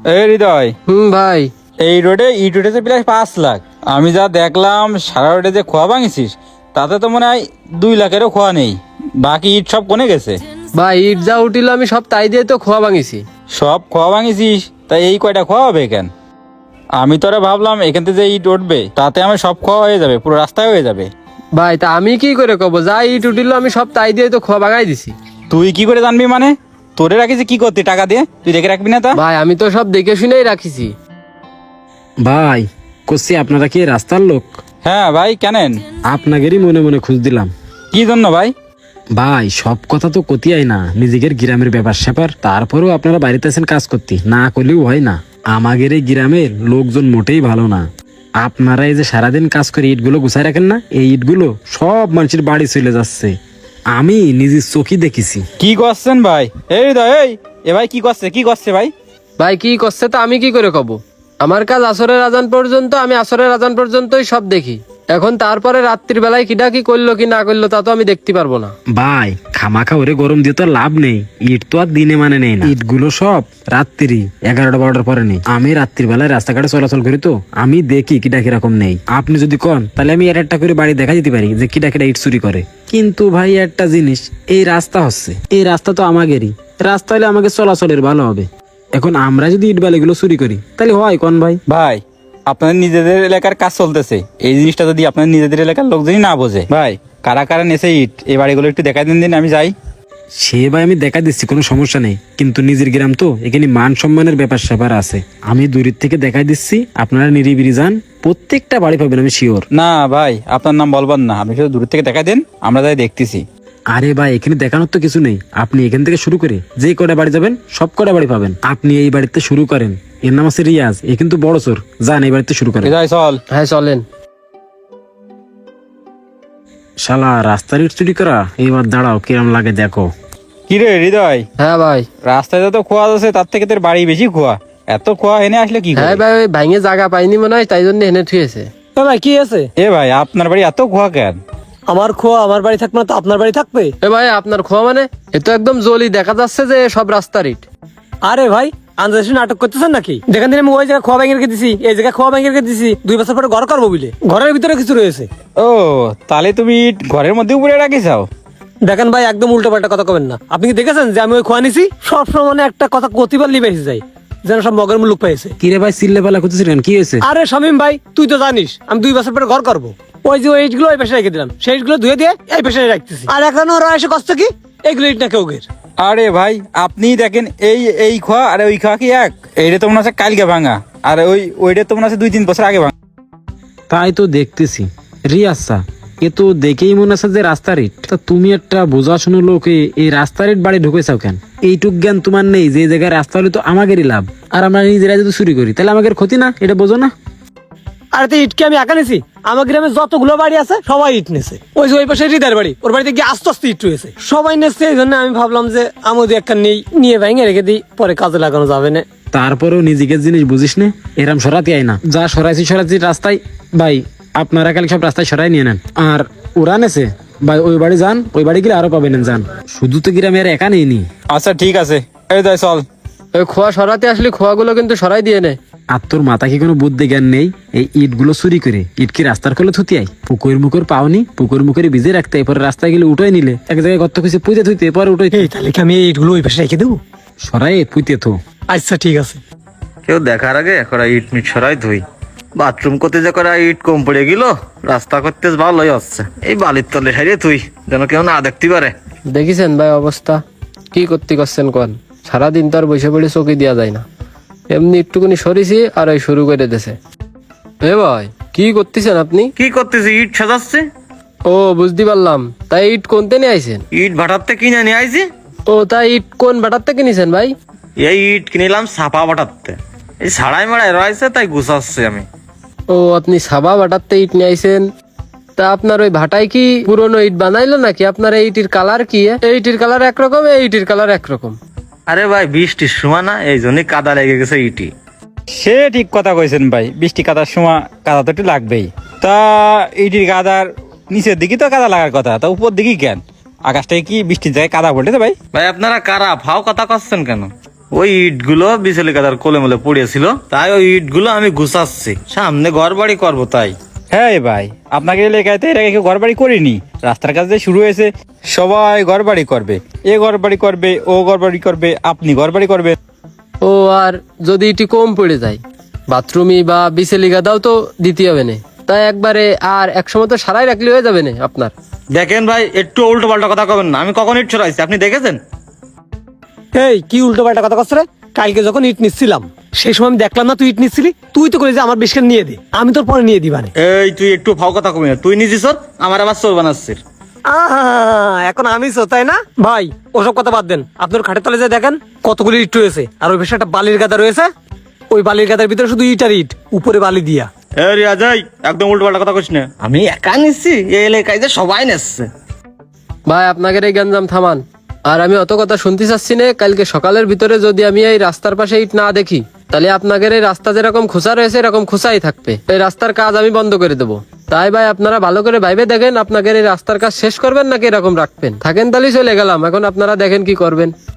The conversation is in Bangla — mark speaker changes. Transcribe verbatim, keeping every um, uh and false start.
Speaker 1: এই হৃদয়,
Speaker 2: হুম ভাই।
Speaker 1: এই রোডে ইট উঠেছে প্রায় পাঁচ লাখ। আমি যা দেখলাম সারা রোডে যে খোয়া ভাঙিছিস তাতে তো মনে হয় দুই লাখেরও খোয়া নেই। বাকি ইট সব কোনে গেছে?
Speaker 2: ভাই ইট যা উঠিল আমি সব তাই দিয়ে তো খোয়া ভাঙিছি।
Speaker 1: সব খোয়া ভাঙিছিস, তাই এই কয়টা খোয়া হবে কেন? আমি তোরা ভাবলাম এখান থেকে যে ইট উঠবে তাতে আমার সব খোয়া হয়ে যাবে, পুরো রাস্তায় হয়ে যাবে।
Speaker 2: ভাই তা আমি কি করে কব, যা ইট উঠিল আমি সব তাই দিয়ে তো খোয়া ভাঙাই দিছি।
Speaker 1: তুই কি করে জানবি মানে? তোরে রাখিস কি করতে টাকা দিয়ে? তুই দেখে রাখবি না তা?
Speaker 2: ভাই আমি তো সব দেখে শুনেই রাখিছি।
Speaker 3: ভাই কষি আপনারা কি রাস্তার লোক?
Speaker 1: হ্যাঁ ভাই, কেনেন?
Speaker 3: আপনাদেরই মনে মনে খুঁজ দিলাম।
Speaker 1: কি জন্য ভাই?
Speaker 3: ভাই সব কথা তো কতিয়াই না, নিজেদের গ্রামের ব্যাপার স্যাপার, তারপরেও আপনারা বাড়িতে আছেন কাজ করতে, না করলেও হয় না। আমাদের এই গ্রামের লোকজন মোটেই ভালো না। আপনারা এই যে সারাদিন কাজ করে ইটগুলো গুছাই রাখেন না, এই ইটগুলো সব মানুষের বাড়ি চলে যাচ্ছে, আমি নিজের চোখে দেখেছি।
Speaker 1: কি করছেন ভাই? এই হৃদয়, এই এ ভাই কি করছে কি করছে ভাই?
Speaker 2: ভাই কি করছে তা আমি কি করে কব? আমার কাজ আসরের আজান পর্যন্ত, আমি আসরের আজান পর্যন্তই সব দেখি। এখন তারপরে রাত্রির বেলায় কিটা কি করলো কি না করলো তা তো আমি দেখতে পারবো না।
Speaker 3: ভাই খামাখা ওরে গরম দিয়ে তো আর লাভ নেই, ইট তো আর দিনে মানে নেই না, ইটগুলো সব রাত্রি এগারোটা বারোটার পরে নেই। আমি রাত্রির বেলায় রাস্তাঘাটে চলাচল করি তো আমি দেখি কিটা কিরকম নেই। আপনি যদি কন তাহলে আমি এর একটা করে বাড়ি দেখা যেতে পারি যে কিটা কিটা ইট চুরি করে। কিন্তু ভাই একটা জিনিস, এই রাস্তা হচ্ছে, এই রাস্তা তো আমাদেরই রাস্তা, হলে আমাকে চলাচলের ভালো হবে। এখন আমরা যদি ইট বালিগুলো চুরি করি তাহলে হয় কোন ভাই?
Speaker 1: ভাই আপনাদের নিজেদের এলাকার কাজ চলতেছে, এই জিনিসটা যদি আপনাদের নিজেদের এলাকার লোকজনই না বোঝে, ভাই কারা কারা নেছে ইট এই বাড়িগুলো একটু দেখাই দিন দিন, আমি যাই।
Speaker 3: সে ভাই আমি দেখা দিচ্ছি, কোনো সমস্যা নেই, কিন্তু নিজের গ্রাম তো, এখানে মান সম্মানের ব্যাপার স্যাপার আছে। আমি দূরের থেকে দেখাই দিচ্ছি, আপনারা নিরিবিরি যান, প্রত্যেকটা বাড়ি পাবেন আমি শিওর।
Speaker 1: না ভাই আপনার নাম বলবেন না, আপনি শুধু দূর থেকে দেখাই দেন, আমরা যাই দেখতেছি।
Speaker 3: আরে ভাই এখানে দেখানোর তো কিছু নেই, আপনি এখান থেকে শুরু করে যে কটা বাড়ি যাবেন সব কটা বাড়ি পাবেন। আপনি এই বাড়িতে শুরু করেন, এর নাম আছে রিয়াজ, এ কিন্তু বড় চোর, যান এই বাড়িতে শুরু করেন।
Speaker 1: হৃদয় চল।
Speaker 2: হ্যাঁ চলেন।
Speaker 3: শালা রাস্তার ইট চুরি করা, এইবার দাঁড়াও কিরম লাগে দেখো।
Speaker 1: কি রে হৃদয়,
Speaker 2: হ্যাঁ ভাই।
Speaker 1: রাস্তায় যত খোয়া আছে তার থেকে তোর বাড়ি বেশি খোয়া, এত খোয়া এনে আসলে কি
Speaker 2: হ্যাঁ
Speaker 1: করে?
Speaker 2: ভাই ওই ভাঙে জায়গা পাইনি মনে হয়, তাই জন্য এনে থুয়েছে।
Speaker 4: ভাই কি আছে?
Speaker 1: এ ভাই আপনার বাড়ি এত খোয়া কেন?
Speaker 4: আমার খোয়া আমার বাড়ি থাকবে না তো আপনার বাড়ি থাকবে?
Speaker 2: এ ভাই আপনার খোয়া মানে? এ তো একদম জলি দেখা যাচ্ছে যে সব রাস্তার ইট।
Speaker 4: আরে ভাই আন্দাজে নাটক করতেছেন নাকি? যেখান থেকে আমি ওই জায়গায় খোয়া ভেঙে রেখে দিছি, এই জায়গায় খোয়া ভেঙে রেখে দিছি, দুই বছর পরে ঘর করবো বলে ঘরের ভিতরে কিছু রয়েছে।
Speaker 1: ও তাহলে তুমি ইট ঘরের মধ্যে উপরে রাখি চাও?
Speaker 4: দেখেন ভাই একদম উল্টো পাল্টা কথা কবেন না। আপনি কি দেখেছেন যে আমি ওই খোয়া নিছি? সবসময় মানে একটা কথা কতিবার লিবে এসে যায়, যেন সব মগের মুলুক পাইছে।
Speaker 3: কিরে ভাই চিল্লে পালা করতেছিলেন, কি হয়েছে?
Speaker 4: আরে শামিম ভাই তুই তো জানিস আমি দুই বছর পরে ঘর করবো, ওই যে ওই ইটগুলো ওই পাশে রেখে দিলাম, সেই ইটগুলো ধুয়ে দিয়ে এই পাশে রাখতেছি, আর এখন ওরা এসে কষ্ট কি এইগুলো ইট না কেউ গের।
Speaker 1: আরে ভাই আপনি দেখেন এই এই খোয়া আর ওই খোয়া কি এক? এইটা তো মনে হচ্ছে কালকে ভাঙা, আর ওই ওইটা তো মনে হচ্ছে দুই তিন বছর আগে ভাঙা।
Speaker 3: তাই তো দেখতেছি রিয়াসা, এ তো দেখেই মনে আছে যে রাস্তার ইট। তা তুমি একটা বোঝাশুনো লোকে এই রাস্তার ইট বাড়ি ঢুকেছাও কেন? এইটুক জ্ঞান তোমার নেই যে জায়গায় রাস্তা হলে তো আমাদেরই লাভ, আর আমরা নিজেরা যদি চুরি করি তাহলে আমাদের ক্ষতি না, এটা বোঝো না?
Speaker 4: আরে তো ইটকে আমি একা নিছি, আমার গ্রামে যতগুলো বাড়ি আছে সবাই ইট নেছে। ওই যে ওই পাশে হৃদয়ের বাড়ি, ওর বাড়িতে গিয়ে আস্তে আস্তে ইট রয়েছে, সবাই নেছে। এই জন্য আমি ভাবলাম যে আমি যদি একটা নেই, নিয়ে ভেঙে রেখে দিই, পরে কাজে লাগানো যাবে না।
Speaker 3: তারপরেও নিজেকে জিনিস বুঝিস না, এরম সরাতে আয় না, যা সরাইছি সরাইছি রাস্তায়। ভাই আপনারা কাল সব রাস্তায় সরাই নিয়ে নেন, আর ওরা নেছে ভাই ওই বাড়ি যান, ওই বাড়ি গেলে আরো পাবেন যান, শুধু তো গ্রামে আর একা নেই নি।
Speaker 1: আচ্ছা ঠিক আছে, এই যাই চল।
Speaker 2: ওই খোয়া সরাতে আসলে খোয়াগুলো কিন্তু সরাই দিয়ে নে।
Speaker 3: আর তোর মাথা কি কোনো বুদ্ধি জ্ঞান নেই? এই ইট গুলো চুরি করে ইট কি রাস্তার কোলে থুতি আই? পুকুর মুকুর পাওনি, পুকুর মুখের ভিজে রাখতে, এরপরে রাস্তায় গেলে উঠোই নিলে, এক জায়গায় গর্ত খুঁজে পুঁতে থুইতে, এরপরে উঠোই
Speaker 4: এই তাহলে কি আমি এই ইটগুলো ওই পাশে রেখে দেবো?
Speaker 3: সরাই পুঁতে থো।
Speaker 4: আচ্ছা ঠিক আছে।
Speaker 5: কেউ দেখার আগে করা ইট মিট সরাই ধুই, বাথরুম করতে যে করা ইট কম পড়ে গেল, রাস্তা করতে ভালোই হচ্ছে, এই বালির তলে সাইডে তুই যেন কেউ না দেখতে পারে।
Speaker 2: দেখিছেন ভাই অবস্থা, কি করতে করছেন কোন? সারাদিন তো আর বসে পড়ে চকি দেওয়া যায় না, এমনি একটুকুনি সরিছি আর ওই শুরু করে দিয়েছে। এ ভাই কি করতেছেন আপনি?
Speaker 5: কি করতেছি? ইট সাজাচ্ছে।
Speaker 2: ও বুঝতে পারলাম, তাই ইট কোনতে নিয়ে আইছেন?
Speaker 5: ইট ভাটাতে কিনে নিয়ে আইছি।
Speaker 2: ও তাই ইট কোন বাটার থেকে নিছেন ভাই?
Speaker 5: এই ইট কিনিলাম ছাপা ভাটাতে, এই সাড়াই মারাই রয়েছে তাই গুছাচ্ছি আমি।
Speaker 2: ও আপনি সাবা বাটারতে ইট নিয়ে আইছেন? তা আপনার ওই ভাটায় কি পুরনো ইট বানাইলো নাকি? আপনার এই ইটির কালার কি? এই ইটির কালার একরকম, এই ইটির কালার একরকম।
Speaker 5: আরে ভাই বৃষ্টির সময় না, এই জন্যই কাদা লেগে গেছে ইটি।
Speaker 1: সে ঠিক কথা কইছেন ভাই, বৃষ্টি কাদার সময় কাদা তো একটু লাগবেই। তা ইটির কাদার নিচের দিকে তো কাদা লাগার কথা, তা উপর দিকে কেন? আকাশটায় কি বৃষ্টির জায়গায় কাদা পড়েছে ভাই?
Speaker 5: ভাই আপনারা কারা ফাও কথা করছেন কেন? ওই ইট গুলো বিচেলি কাদার কোলে মোলে পড়েছিল, তাই ওই ইট গুলো আমি গুছাচ্ছি, সামনে ঘর বাড়ি করবো তাই।
Speaker 1: হ্যাঁ ভাই, আপনাকে এলাকায় তো এর আগে কেউ ঘর বাড়ি করিনি। রাস্তার কাজ যে শুরু হয়েছে, সবাই ঘর বাড়ি করবে, এ ঘর বাড়ি করবে, ও ঘর বাড়ি করবে, আপনি ঘর বাড়ি করবে।
Speaker 2: ও আর যদি এটি কম পড়ে যায়, বাথরুমই বা বিচেলি গাদাও তো দিতে হবে না, তাই একবারে আর একসময় তো সারাই রাখলে হয়ে যাবে না আপনার।
Speaker 5: দেখেন ভাই, একটু উল্টো পাল্টা কথা কবেন না, আমি কখন ইট ছড়াইছি আপনি দেখেছেন?
Speaker 4: এই কি উল্টো পাল্টা কথা করছ রে? কালকে যখন ইট নিচ্ছিলাম সেই সময় আমি দেখলাম না তুই ইট নিচ্ছিলি, তুই তো করে যে আমার বেশি নিয়ে দে, আমি তোর পরে নিয়ে দিবানে।
Speaker 5: এই তুই একটু ফাও কথা কবি না, তুই নিজে চোর, আমার আবার চোর বানাচ্ছিস।
Speaker 4: আহা, এখন আমি তো তাই না ভাই? ওসব কথা বাদ দেন, আপনার খাটের তলে যে দেখেন কতগুলি ইট রয়েছে, আর ওই পাশে একটা বালির গাদা রয়েছে, ওই বালির গাদার ভিতরে শুধু ইট আর ইট, উপরে বালি দিয়া।
Speaker 5: এই রিয়াজাই, একদম উল্টো পাল্টা কথা কইস না, আমি একা নিচ্ছি, এই এলাকায় যে সবাই নিচ্ছে।
Speaker 2: ভাই আপনাদের এই গঞ্জাম থামান, আর আমি অত কথা শুনতে চাচ্ছি না। কালকে সকালের ভিতরে যদি আমি এই রাস্তার পাশে ইট না দেখি, তাহলে আপনাদের এই রাস্তা যেরকম খোঁচা রয়েছে এরকম খোঁচাই থাকবে, এই রাস্তার কাজ আমি বন্ধ করে দেবো। তাই ভাই আপনারা ভালো করে ভাইবে দেখেন, আপনাদের এই রাস্তার কাজ শেষ করবেন নাকি এরকম রাখবেন। থাকেন তাহলে চলে গেলাম, এখন আপনারা দেখেন কি করবেন।